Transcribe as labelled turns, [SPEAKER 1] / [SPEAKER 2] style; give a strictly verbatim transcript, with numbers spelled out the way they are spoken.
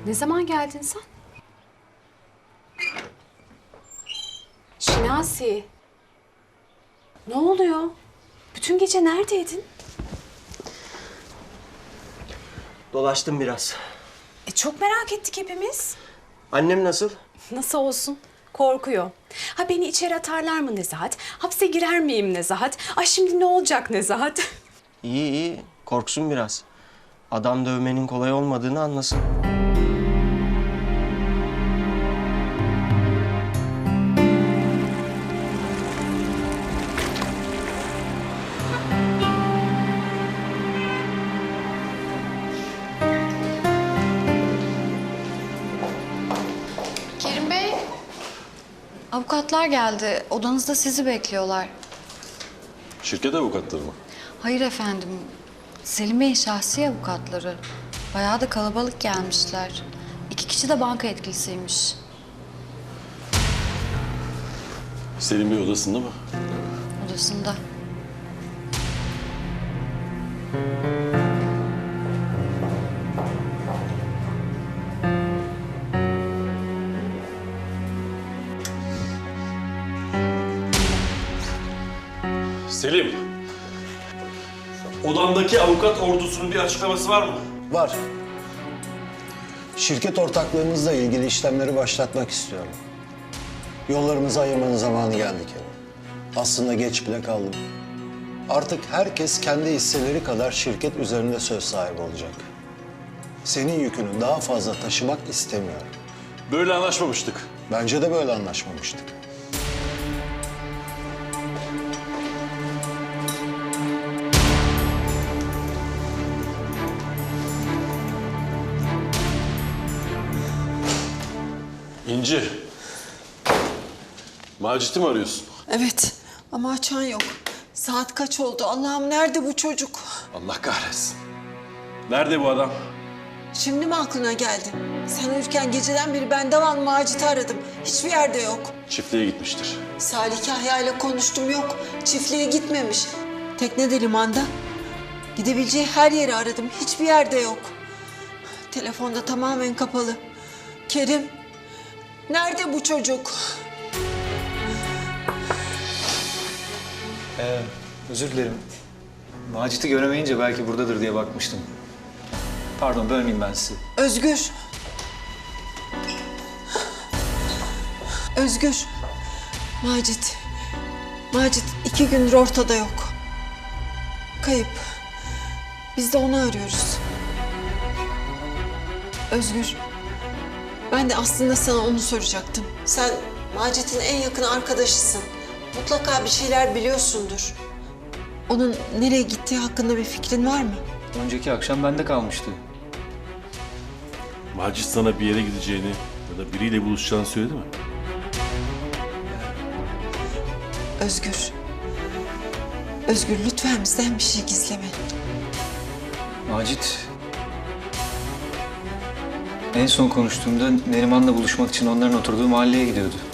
[SPEAKER 1] Ne zaman geldin sen? Şinasi. Ne oluyor? Bütün gece neredeydin?
[SPEAKER 2] Dolaştım biraz.
[SPEAKER 1] E çok merak ettik hepimiz.
[SPEAKER 2] Annem nasıl?
[SPEAKER 1] Nasıl olsun? Korkuyor. Ha beni içeri atarlar mı Nezahat? Hapse girer miyim Nezahat? Ay şimdi ne olacak Nezahat?
[SPEAKER 2] İyi iyi. Korksun biraz. Adam dövmenin kolay olmadığını anlasın.
[SPEAKER 3] Kerim Bey, avukatlar geldi. Odanızda sizi bekliyorlar.
[SPEAKER 4] Şirket avukatları mı?
[SPEAKER 3] Hayır efendim, Selim Bey'in şahsi avukatları. Bayağı da kalabalık gelmişler. İki kişi de banka etkilisiymiş.
[SPEAKER 4] Selim Bey odasında mı?
[SPEAKER 3] Odasında.
[SPEAKER 4] Selim! Odamdaki avukat ordusunun bir açıklaması var mı?
[SPEAKER 5] Var. Şirket ortaklığımızla ilgili işlemleri başlatmak istiyorum. Yollarımızı ayırmanın zamanı geldi Kerim. Aslında geç bile kaldım. Artık herkes kendi hisseleri kadar şirket üzerinde söz sahibi olacak. Senin yükünü daha fazla taşımak istemiyorum.
[SPEAKER 4] Böyle anlaşmamıştık.
[SPEAKER 5] Bence de böyle anlaşmamıştık.
[SPEAKER 4] İnci. Macit'i mi arıyorsun?
[SPEAKER 6] Evet ama açan yok. Saat kaç oldu? Allah'ım nerede bu çocuk?
[SPEAKER 4] Allah kahretsin. Nerede bu adam?
[SPEAKER 6] Şimdi mi aklına geldi? Sen uyurken geceden beri ben devamlı Macit'i aradım. Hiçbir yerde yok.
[SPEAKER 4] Çiftliğe gitmiştir.
[SPEAKER 6] Salih Kahya ile konuştum, yok. Çiftliğe gitmemiş. Tekne de limanda. Gidebileceği her yeri aradım. Hiçbir yerde yok. Telefonda tamamen kapalı. Kerim, nerede bu çocuk?
[SPEAKER 7] Ee, özür dilerim. Macit'i göremeyince belki buradadır diye bakmıştım. Pardon, bölmeyeyim ben sizi.
[SPEAKER 6] Özgür. Özgür. Macit. Macit iki gündür ortada yok. Kayıp. Biz de onu arıyoruz. Özgür. Ben de aslında sana onu soracaktım. Sen Macit'in en yakın arkadaşısın. Mutlaka bir şeyler biliyorsundur. Onun nereye gittiği hakkında bir fikrin var mı?
[SPEAKER 7] Önceki akşam bende kalmıştı.
[SPEAKER 4] Macit sana bir yere gideceğini ya da biriyle buluşacağını söyledi mi?
[SPEAKER 6] Özgür. Özgür lütfen bizden bir şey gizleme.
[SPEAKER 7] Macit... En son konuştuğumda Neriman'la buluşmak için onların oturduğu mahalleye gidiyordu.